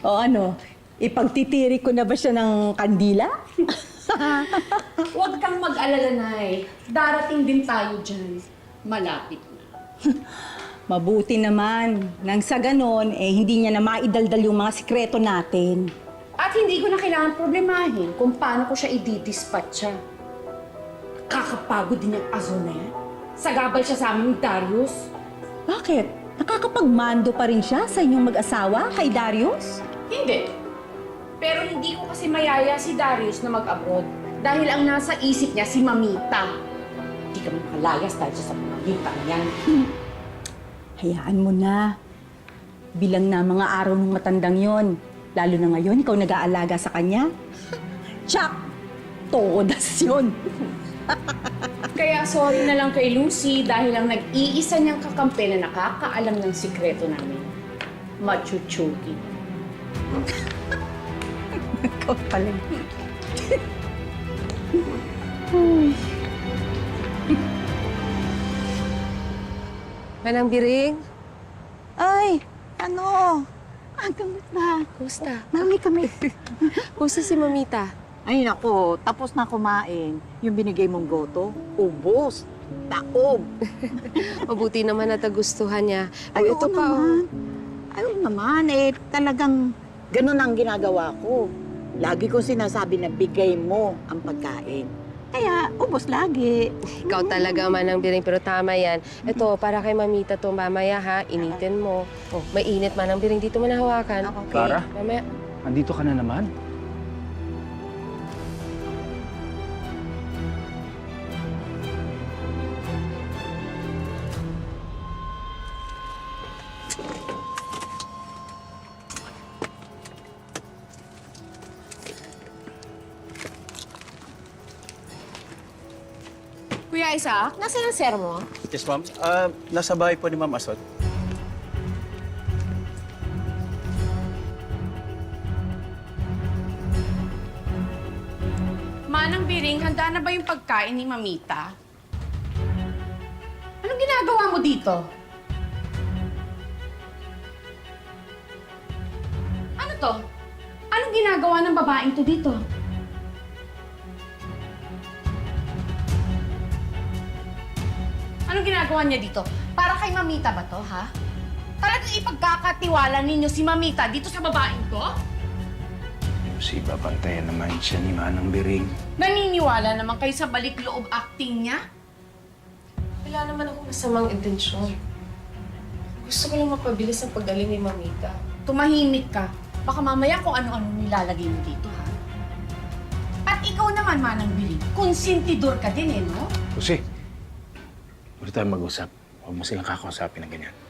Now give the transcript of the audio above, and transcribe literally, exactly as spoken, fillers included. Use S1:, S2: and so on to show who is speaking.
S1: O ano, ipagtitiri ko na ba siya ng kandila?
S2: Huwag kang mag-alala, Nay. Darating din tayo dyan. Malapit na.
S1: Mabuti naman. Nang sa ganon, eh hindi niya na maidaldal yung mga sikreto natin.
S2: At hindi ko na kailangan problemahin kung paano ko siya i-dispatcha. Kakapagod din yung aso na yan. Sagabal siya sa amin ni Darius.
S1: Bakit? Nakakapagmando pa rin siya sa inyong mag-asawa kay Darius?
S2: Hindi. Pero hindi ko kasi mayaya si Darius na mag-abroad. Dahil ang nasa isip niya si Mamita. Hindi ka makalayas dahil sa Mamita na yan.
S1: Hayaan mo na. Bilang na mga araw ng matandang yon. Lalo na ngayon, ikaw nag-aalaga sa kanya. Tsak! Todas yun.
S2: Kaya sorry na lang kay Lucy dahil ang nag-iisa niyang kakampi na nakakaalam ng sikreto namin. Machuchugi.
S1: Ikaw pala.
S3: Manang Biring,
S4: Ay, ano? Ah, kamusta?
S3: kumusta?
S4: Mami kami.
S3: Kumusta si Mamita?
S4: Ay, nako, tapos na kumain. Yung binigay mong goto, ubos, taob.
S3: Mabuti naman at nagustuhan niya.
S4: Ay,
S3: Oh, ito
S4: oo
S3: pa, oh.
S4: naman. Ay, oo naman, eh, talagang ganun ang ginagawa ko. Lagi ko sinasabi na bigay mo ang pagkain. Kaya, ubos lagi.
S3: Ikaw talaga, Manang Biring, pero tama yan. Ito, para kay Mamita to mamaya, ha? Initin mo. Oh, mainit, Manang Biring. Dito mo nahawakan.
S4: Okay.
S5: Clara,
S3: Mamaya.
S5: andito ka na naman?
S2: Kuya Isaac, nasaan ang sir mo?
S5: Yes, ma'am. Ah, nasa bahay po ni Ma'am Asot.
S2: Manang Biring, handa na ba yung pagkain ni Mamita? Anong ginagawa mo dito? Ano to? Anong ginagawa ng babaeng to dito? Anong ginagawa niya dito? Para kay Mamita ba to, ha? Talagang ipagkakatiwala ninyo si Mamita dito sa babaeng to?
S5: Si babantayan naman siya ni Manang Biring.
S2: Naniniwala naman kayo sa balik loob acting niya?
S3: Wala naman ako masamang intensyon. Gusto ko lang mapabilis ang pagdaling ni Mamita.
S2: Tumahimik ka. Baka mamaya kung ano-ano nilalagay mo dito, ha? At ikaw naman, Manang Biling, konsentidor ka din, eh, no?
S5: Jose, pwede tayo mag-usap. Huwag mo silang kakausapin ng ganyan.